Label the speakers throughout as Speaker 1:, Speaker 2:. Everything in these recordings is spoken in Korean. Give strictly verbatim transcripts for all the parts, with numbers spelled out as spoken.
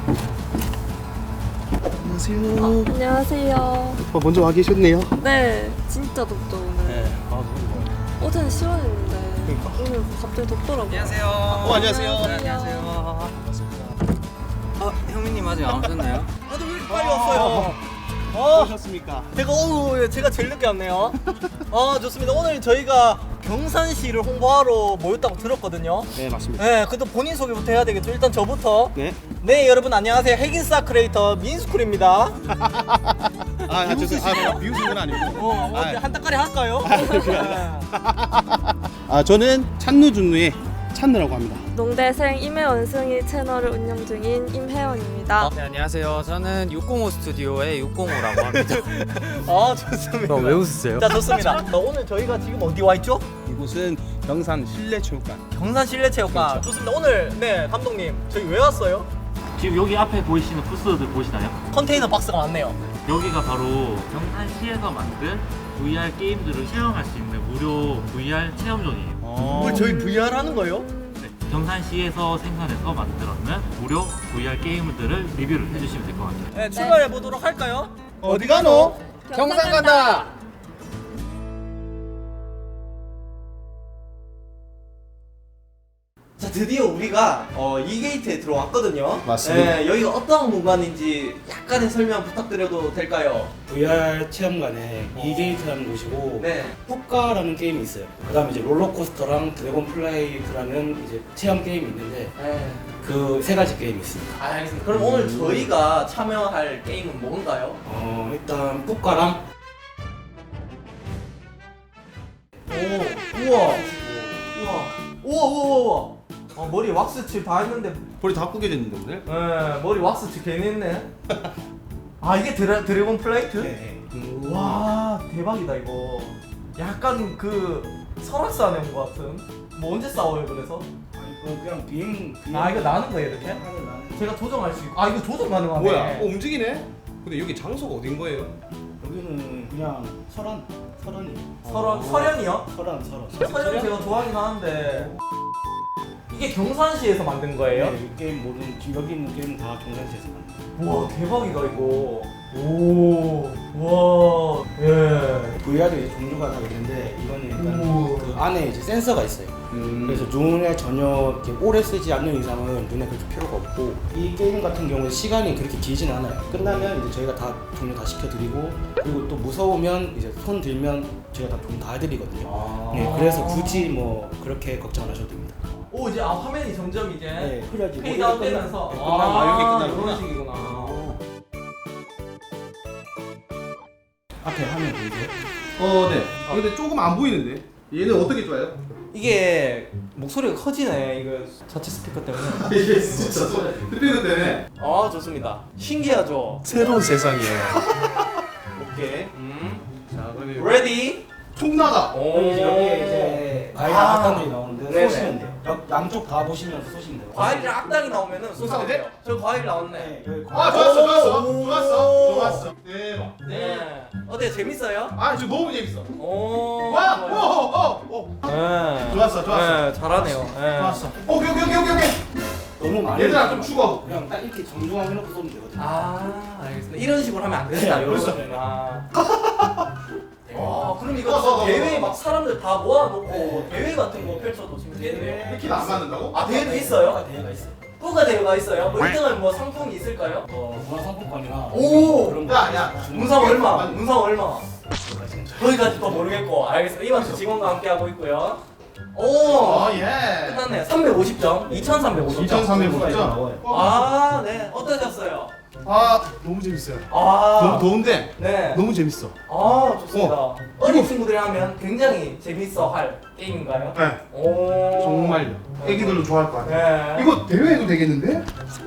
Speaker 1: 안녕하세요.
Speaker 2: 어, 안녕하세요.
Speaker 1: 어, 먼저 와 계셨네요.
Speaker 2: 네, 진짜 덥죠 오늘.
Speaker 1: 네, 아 너무
Speaker 2: 어제는 시원했는데
Speaker 1: 그러니까.
Speaker 2: 오늘 갑자기 덥더라고요.
Speaker 3: 안녕하세요.
Speaker 1: 어, 안녕하세요.
Speaker 3: 안녕하세요. 아, 형민님 아직 안 오셨나요?
Speaker 4: 다들 왜 이렇게 빨리 왔어요?
Speaker 1: 어, 오셨습니까?
Speaker 4: 제가 오늘 제가 제일 늦게 왔네요. 아 좋습니다. 오늘 저희가 경산시를 홍보하러 모였다고 들었거든요.
Speaker 1: 네, 맞습니다.
Speaker 4: 네, 그래도 본인 소개부터 해야 되겠죠. 일단 저부터.
Speaker 1: 네.
Speaker 4: 네, 여러분 안녕하세요. 핵인싸 크리에이터 민스쿨입니다.
Speaker 1: 아, 아 죄송해요. 아, 비웃은 건 아니고.
Speaker 4: 어,
Speaker 1: 아,
Speaker 4: 어디 한 따까리 할까요?
Speaker 1: 아, 저는 찬누준누의 찬누라고 합니다.
Speaker 2: 농대생 임혜원승이 채널을 운영 중인 임혜원입니다.
Speaker 3: 네, 안녕하세요. 저는 육공오 스튜디오의 육공오라고 합니다.
Speaker 4: 아 좋습니다.
Speaker 3: 왜 웃으세요?
Speaker 4: 자 좋습니다. 자, 오늘 저희가 지금 어디 와 있죠?
Speaker 1: 이곳은 경산 실내체육관.
Speaker 4: 경산 실내체육관.
Speaker 1: 그렇죠.
Speaker 4: 좋습니다. 오늘 네 감독님 저희 왜 왔어요?
Speaker 5: 지금 여기 앞에 보이시는 부스들 보시나요?
Speaker 4: 컨테이너 박스가 많네요.
Speaker 5: 여기가 바로 경산시에서 만든 브이알 게임들을 체험할 수 있는 무료 브이알 체험존이에요.
Speaker 1: 어.
Speaker 4: 오늘 저희 브이알 하는 거예요?
Speaker 5: 네, 경산시에서 생산해서 만들었는 무료 브이알 게임들을 리뷰를 해주시면 될 것 같아요.
Speaker 4: 네, 출발해 보도록 할까요?
Speaker 1: 어디 가노?
Speaker 2: 경산 간다.
Speaker 4: 자 드디어 우리가 어, 이 게이트에 들어왔거든요.
Speaker 1: 맞습니다.
Speaker 4: 네, 여기가 어떤 공간인지 약간의 설명 부탁드려도 될까요?
Speaker 6: 브이알 체험관에 이게이트라는 곳이고
Speaker 4: 네.
Speaker 6: 푸까라는 게임이 있어요. 그다음에 이제 롤러코스터랑 드래곤 플라이트라는 이제 체험 게임이 있는데
Speaker 4: 네.
Speaker 6: 그 세 가지 게임이 있습니다.
Speaker 4: 아, 알겠습니다. 그럼 오늘 저희가 참여할 게임은 뭔가요?
Speaker 6: 어 일단 푸까랑
Speaker 4: 오, 우와, 우와, 우와, 우와, 우와. 어, 머리 왁스칠 다 했는데,
Speaker 1: 볼이 다 구겨졌는데 오늘?
Speaker 4: 네, 머리 왁스칠 괜히 했네. 아 이게 드래, 드래곤 플레이트?
Speaker 6: 네.
Speaker 4: 와 대박이다 이거. 약간 그 설악산 안에 온 것 같은. 뭐 언제 싸워요 그래서?
Speaker 6: 아니 이거 그냥 비행 비행
Speaker 4: 아 이거 나는 거예요 이렇게?
Speaker 6: 하늘 나는
Speaker 4: 제가 조정할 수 있고. 아 이거 조정 가능하네.
Speaker 1: 뭐야? 어, 움직이네? 근데 여기 장소가 어딘 거예요?
Speaker 6: 여기는 그냥 설원 설원이
Speaker 4: 설원 설현이요?
Speaker 6: 설원 설원
Speaker 4: 설현 제가 좋아하긴 하는데. 이게 경산시에서 만든 거예요?
Speaker 6: 네, 이 게임 모든 지금 여기 있는 게임 다 경산시에서 만든
Speaker 4: 와 대박이다 이거. 오, 와, 예.
Speaker 6: 브이알이 이제 종류가 다 있는데 이거는 일단
Speaker 4: 오.
Speaker 6: 그 안에 이제 센서가 있어요.
Speaker 1: 음.
Speaker 6: 그래서 눈에 전혀 이렇게 오래 쓰지 않는 이상은 눈에 그렇게 필요가 없고 이 게임 같은 경우에 시간이 그렇게 길진 않아요. 끝나면 이제 저희가 다 종료 다 시켜드리고 그리고 또 무서우면 이제 손 들면 저희가 다 종료 다 해드리거든요.
Speaker 4: 아.
Speaker 6: 네, 그래서 굳이 뭐 그렇게 걱정 안 하셔도 됩니다.
Speaker 4: 오 이제 아 화면이 점점 이제
Speaker 6: 네, 흐려지고
Speaker 4: 페이드아웃
Speaker 6: 끝나-
Speaker 4: 되면서
Speaker 6: 네,
Speaker 1: 끝나고 아, 여기 끝나는구나.
Speaker 4: 이런 식이구나.
Speaker 6: 앞에 화면 보이세요?
Speaker 1: 어, 네. 아, 근데 조금 안 보이는데? 얘는 어떻게 좋아요?
Speaker 4: 이게 목소리가 커지네 이거 자체 스피커 때문에.
Speaker 1: 이게 진짜 스피드 때문에.
Speaker 4: 아 좋습니다. 신기하죠.
Speaker 1: 새로운 세상이에요.
Speaker 4: 오케이. 음.
Speaker 1: 자, 그러면
Speaker 4: 레디.
Speaker 1: 총 나가.
Speaker 4: 오.
Speaker 6: 여기 이제 여기에 이제 과일
Speaker 4: 아.
Speaker 6: 악당들이 나오는데
Speaker 4: 네네.
Speaker 6: 쏘시면 돼요. 양- 양쪽 다 보시면서 쏘시면 돼요.
Speaker 4: 과일이랑 악당이 나오면은 쏘면
Speaker 1: 돼?
Speaker 4: 돼요. 저 과일 나왔네.
Speaker 6: 네, 여기
Speaker 1: 아,
Speaker 6: 과일.
Speaker 1: 좋았어, 좋았어.
Speaker 4: 오.
Speaker 1: 좋았어. 좋았어. 대박.
Speaker 4: 네. 어때요 재밌어요?
Speaker 1: 아, 지금 너무 재밌어.
Speaker 4: 오.
Speaker 1: 와! 오,
Speaker 4: 좋아요.
Speaker 1: 오, 오, 오.
Speaker 4: 네.
Speaker 1: 좋았어, 좋았어.
Speaker 4: 네, 잘하네요. 네.
Speaker 1: 좋았어. 오케이, 오케이, 오케이, 오케이, 오케이.
Speaker 6: 너무 많이
Speaker 1: 얘들아, 좀 죽어.
Speaker 6: 그냥 딱 이렇게 정중하게 해놓고 쏘면 되거든요.
Speaker 4: 아, 알겠습니다. 이런 식으로 하면 안 된다.
Speaker 6: 네,
Speaker 4: 이런
Speaker 6: 그렇죠.
Speaker 4: 거는. 아. 와, 그럼 이거
Speaker 1: 어, 어, 어,
Speaker 4: 대회
Speaker 1: 어.
Speaker 4: 막 사람들 다 모아놓고
Speaker 6: 네.
Speaker 4: 대회 같은 거 펼쳐도 지금 되네요.
Speaker 1: 이렇게 안 맞는다고?
Speaker 4: 아, 대회도 있어요?
Speaker 6: 아, 대회가 있어요.
Speaker 4: 뿌가 대회가 있어요? 뭐 일 등은 뭐 상품이 있을까요?
Speaker 6: 어, 문화상품권이나
Speaker 4: 오!
Speaker 6: 그런 거.
Speaker 1: 야, 야.
Speaker 4: 문상 얼마? 문상 얼마?
Speaker 6: 문상
Speaker 4: 거기까지 또 모르겠고. 알겠습니다. 이만수 직원과 함께 하고 있고요. 오!
Speaker 1: 어, 예.
Speaker 4: 끝났네요. 삼백오십 점. 이천삼백오십 점.
Speaker 1: 이천삼백오십 점.
Speaker 4: 아, 네. 어떠셨어요?
Speaker 1: 아, 너무 재밌어요.
Speaker 4: 아.
Speaker 1: 너무 더운데
Speaker 4: 네.
Speaker 1: 너무 재밌어.
Speaker 4: 아 좋습니다.
Speaker 1: 어.
Speaker 4: 어. 린 친구들이 하면 굉장히 재밌어 할 게임인가요?
Speaker 1: 네.
Speaker 4: 오.
Speaker 1: 정말요. 애기들도 좋아할 것 같아요.
Speaker 4: 네.
Speaker 1: 이거 대회해도 되겠는데?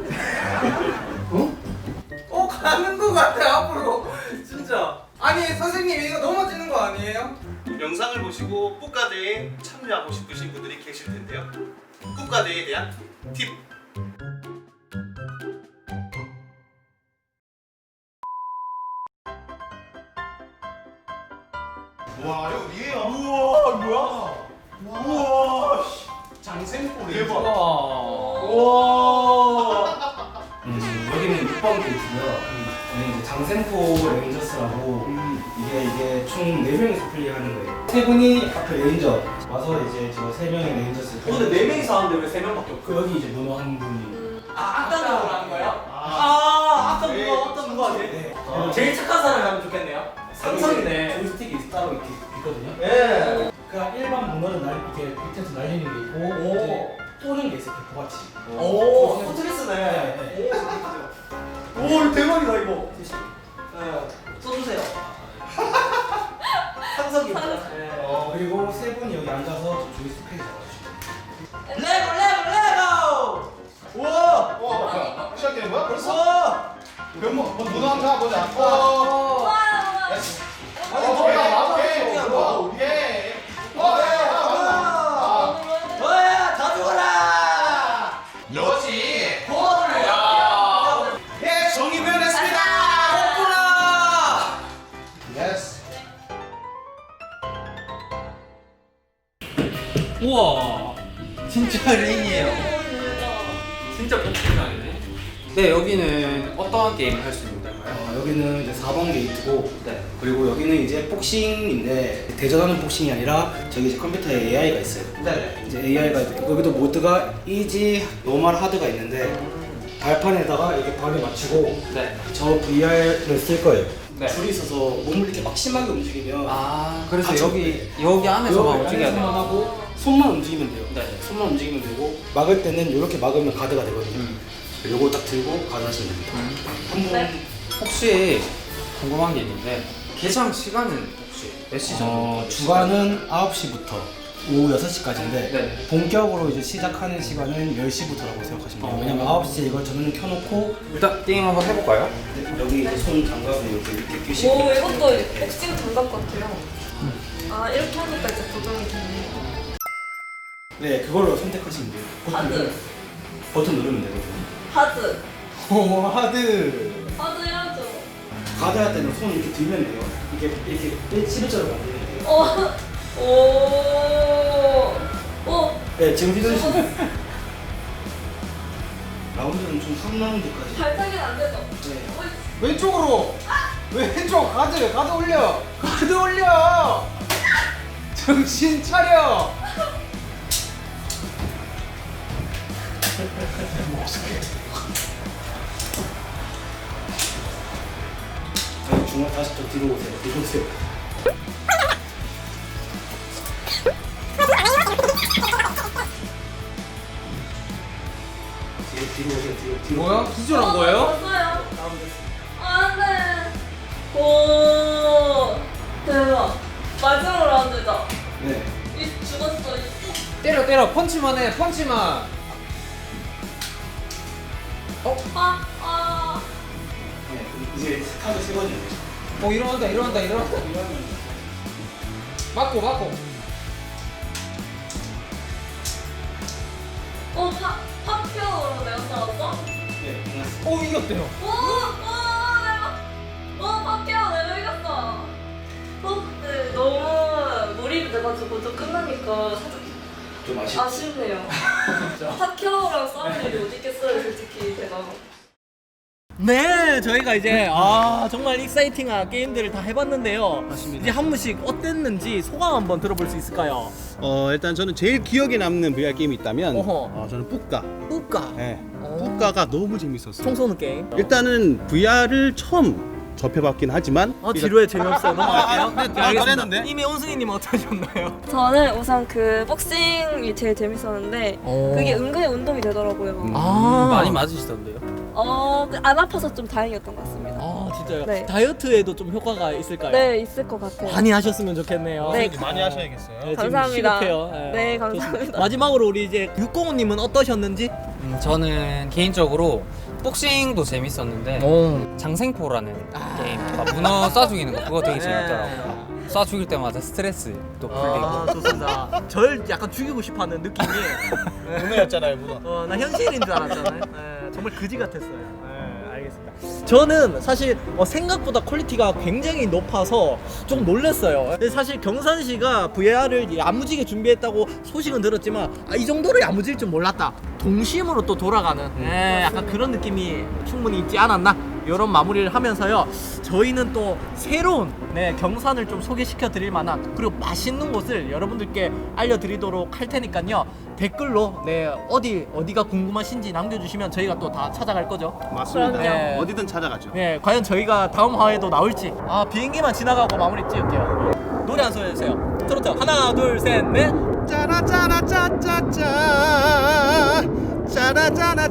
Speaker 1: 어?
Speaker 7: 어 가는 거 같아 앞으로 진짜. 아니 선생님 이거 넘어지는 거 아니에요?
Speaker 1: 영상을 보시고 국가대회에 참여하고 싶으신 분들이 계실 텐데요. 국가대회에 대한 팁. 와, 이거 어디예요?
Speaker 4: 우와 뭐야?
Speaker 1: 우와, 씨. 장생포리. 대박.
Speaker 4: 우와. 우와.
Speaker 6: 음, 번 게이트고요. 저는 이제 장생포 레인저스라고 이게 이게 총 네 명이서 플레이하는 거예요. 세 분이 하필 레인저 와서 이제 저 세 명의 레인저스.
Speaker 4: 근데 네 명이서 하는데 왜 세 명밖에 없어?
Speaker 6: 그 여기 이제 문어 한 분이.
Speaker 4: 아 악당으로 하는 거예요? 아 악당 누가 악당 누가 하지?
Speaker 6: 네.
Speaker 4: 어, 제일 착한 사람이 하면 좋겠네요. 상상이네.
Speaker 6: 조이스틱이 따로 이렇게 있거든요.
Speaker 4: 예.
Speaker 6: 그러니까 일반 문어는 날 이렇게 밑에서 날리는 게 있고
Speaker 4: 오.
Speaker 6: 이제 쏘는 게 있어요. 같이.
Speaker 4: 오, 포트리스네.
Speaker 6: 네,
Speaker 4: 오, 대박이다 이거. 네, 써주세요. 상석이. 네.
Speaker 6: 어, 그리고 세 분이 여기 앉아서 저 조이스틱 페이지 잡아주시면 돼요.
Speaker 4: 레고 레고 레고. 우와.
Speaker 1: 와, 시작되는 거야? 벌써?
Speaker 4: 우와.
Speaker 1: 변모, 문어 한번 보자.
Speaker 4: 와.
Speaker 1: 어.
Speaker 4: 아니
Speaker 1: 어,
Speaker 4: 뭐야? 맞아.
Speaker 1: 오케이,
Speaker 4: 신기한
Speaker 1: 오케이.
Speaker 4: 거.
Speaker 1: 오케이.
Speaker 4: 어, 야, 야, 뭐야? 다 죽어라.
Speaker 1: 역시.
Speaker 4: 호흡을.
Speaker 1: 야. 예, 정의 변했습니다.
Speaker 4: 거꾸라.
Speaker 1: 예스.
Speaker 3: 우와 진짜 레인이에요.
Speaker 5: 진짜 복싱 아니네.
Speaker 3: 네 여기는 어떠한 게임을 할 수 있는 건가요?
Speaker 6: 어, 여기는 이제 사 번 게이트고
Speaker 3: 네.
Speaker 6: 그리고 여기는 이제 복싱인데 대전하는 복싱이 아니라 저기 이제 컴퓨터에 에이아이가 있어요.
Speaker 4: 네.
Speaker 6: 이제 에이아이가 여기도 모드가 이지, 노멀, 하드가 있는데 발판에다가 이렇게 발을 맞추고
Speaker 3: 네.
Speaker 6: 저 브이알을 쓸 거예요.
Speaker 3: 네.
Speaker 6: 줄이 있어서 몸을 이렇게 막 심하게 움직이면
Speaker 3: 아 그래서
Speaker 6: 아, 저-
Speaker 3: 여기 여기 안에서만 움직여야
Speaker 6: 안에서만
Speaker 3: 돼요.
Speaker 6: 하고 손만 움직이면 돼요.
Speaker 3: 네.
Speaker 6: 손만 움직이면 되고 막을 때는 이렇게 막으면 가드가 되거든요.
Speaker 3: 음.
Speaker 6: 요거 딱 들고 가드 하시면 됩니다. 한번
Speaker 2: 네.
Speaker 3: 혹시 궁금한 게 있는데 개장 시간은 혹시 몇 시 정도?
Speaker 6: 어, 주간은 아홉 시부터 오후 여섯 시까지인데
Speaker 3: 네.
Speaker 6: 본격으로 이제 시작하는 시간은 열 시부터라고 생각하시면 돼요.
Speaker 3: 어.
Speaker 6: 왜냐면 아홉 시에 이걸 전원 켜놓고
Speaker 3: 일단 게임 한번 해볼까요?
Speaker 6: 여기 이제 손 장갑을 이렇게 이렇게
Speaker 2: 오,
Speaker 6: 끼시고
Speaker 2: 이것도 복싱 장갑 같아요. 아, 이렇게 하니까 이제 고정이 되네요.
Speaker 6: 네, 그걸로 선택하시면 돼요. 버튼,
Speaker 2: 하드.
Speaker 6: 누르- 버튼 누르면 되거든요.
Speaker 2: 하드.
Speaker 6: 오, 하드.
Speaker 2: 하드 해야죠.
Speaker 6: 가드 할 때는 손 이렇게 들면 돼요. 이렇게 이렇게 십일자로 만들면 돼요.
Speaker 2: 어. 오. 오.
Speaker 6: 네, 지금 휘두르시면 라운드는 총 삼 라운드까지.
Speaker 2: 발차기는 안 되죠?
Speaker 6: 네.
Speaker 2: 어이,
Speaker 4: 왼쪽으로. 왼쪽 가드 가드 올려. 가드 올려. 정신 차려.
Speaker 6: 아니, 중간 다시 좀 뒤로 오세요. 뒤로 오세요. 뒤로 뒤로 오세요. 뒤로 뒤로.
Speaker 4: 뭐야? 기절한 거예요?
Speaker 2: 왔어요. 안 돼. 오. 대박. 마지막 라운드다.
Speaker 6: 네.
Speaker 2: 이 죽었어. 이.
Speaker 4: 때려 때려 펀치만 해 펀치만.
Speaker 2: 아, 아.
Speaker 6: 네. 이제 카드 세 번이에요.
Speaker 4: 어 일어난다 일어난다 일어난다. 맞고 맞고.
Speaker 2: 어, 파, 파피어로 내가 싸웠어?
Speaker 6: 네, 끝났어요.
Speaker 4: 어 이겼대요.
Speaker 2: 오, 오, 내가, 오, 파피어 내가 이겼어. 어, 네, 너무 몰입돼가지고 좀 끝나니까 살짝
Speaker 6: 좀 아쉽.
Speaker 2: 아쉽네요. 파키아오랑 싸울 일이 어디 있겠어요, 솔직히 제가.
Speaker 8: 네, 저희가 이제 아 정말 익사이팅한 게임들을 다 해봤는데요. 이제 한 분씩 어땠는지 소감 한번 들어볼 수 있을까요?
Speaker 9: 어 일단 저는 제일 기억에 남는 브이알 게임이 있다면
Speaker 8: 어허.
Speaker 9: 어, 저는 뿌까.
Speaker 8: 뿌까.
Speaker 9: 네.
Speaker 8: 어.
Speaker 9: 뿌까가 너무 재밌었어요.
Speaker 8: 총 쏘는 게임.
Speaker 9: 일단은 브이알을 처음 접해봤긴 하지만
Speaker 8: 어 지루해 재미없어요. 넘어갈게요. 네,
Speaker 9: 아,
Speaker 8: 알겠습니다.
Speaker 9: 잘했는데?
Speaker 8: 이미 온승이님 어떠셨나요?
Speaker 2: 저는 우선 그 복싱이 제일 재밌었는데
Speaker 8: 어.
Speaker 2: 그게 은근히 운동이 되더라고요.
Speaker 8: 아
Speaker 3: 많이 맞으시던데요?
Speaker 2: 어, 그안 아파서 좀 다행이었던 것 같습니다.
Speaker 8: 아 진짜요?
Speaker 2: 네.
Speaker 8: 다이어트에도 좀 효과가 있을까요?
Speaker 2: 네, 있을 것 같아요.
Speaker 8: 많이 하셨으면 좋겠네요.
Speaker 2: 네.
Speaker 1: 많이 하셔야겠어요.
Speaker 8: 네, 지금
Speaker 2: 감사합니다.
Speaker 8: 시급해요.
Speaker 2: 네, 감사합니다.
Speaker 8: 좋습니다. 마지막으로 우리 이제 육공호님은 어떠셨는지?
Speaker 3: 음, 저는 개인적으로 복싱도 재밌었는데
Speaker 8: 오.
Speaker 3: 장생포라는
Speaker 8: 아.
Speaker 3: 게임, 그러니까 문어 쏴 죽이는 거 그거 되게
Speaker 8: 네.
Speaker 3: 재밌더라고요. 쏴 죽일 때마다 스트레스 또 풀리고.
Speaker 8: 아 좋습니다. 절 약간 죽이고 싶어하는 느낌이.
Speaker 1: 문어였잖아요, 문어.
Speaker 8: 어, 나 현실인 줄 알았잖아요. 네, 정말 그지 같았어요. 네, 알겠습니다. 저는 사실 어, 생각보다 퀄리티가 굉장히 높아서 좀 놀랐어요. 근데 사실 경산시가 브이알을 야무지게 준비했다고 소식은 들었지만 아, 이 정도로 야무질 줄 몰랐다. 동심으로 또 돌아가는 예, 약간 그런 느낌이 충분히 있지 않았나? 이런 마무리를 하면서요. 저희는 또 새로운 네, 경산을 좀 소개시켜 드릴 만한 그리고 맛있는 곳을 여러분들께 알려드리도록 할 테니까요. 댓글로 네, 어디 어디가 궁금하신지 남겨주시면 저희가 또 다 찾아갈 거죠.
Speaker 9: 맞습니다.
Speaker 8: 네.
Speaker 9: 어디든 찾아가죠.
Speaker 8: 네, 과연 저희가 다음 화에도 나올지. 아, 비행기만 지나가고 마무리 찍을게요. 노래 한 소리 해주세요. 트로트 하나 둘 셋 넷.
Speaker 9: 짜라짜라 짜짜짜 짜라짜라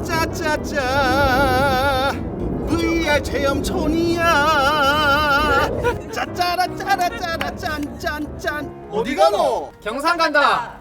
Speaker 9: 짜짜짜 브이알 체험촌이야 짜짜라 짜라짜라 짠짠짠 어디 가노?
Speaker 3: 경산 간다.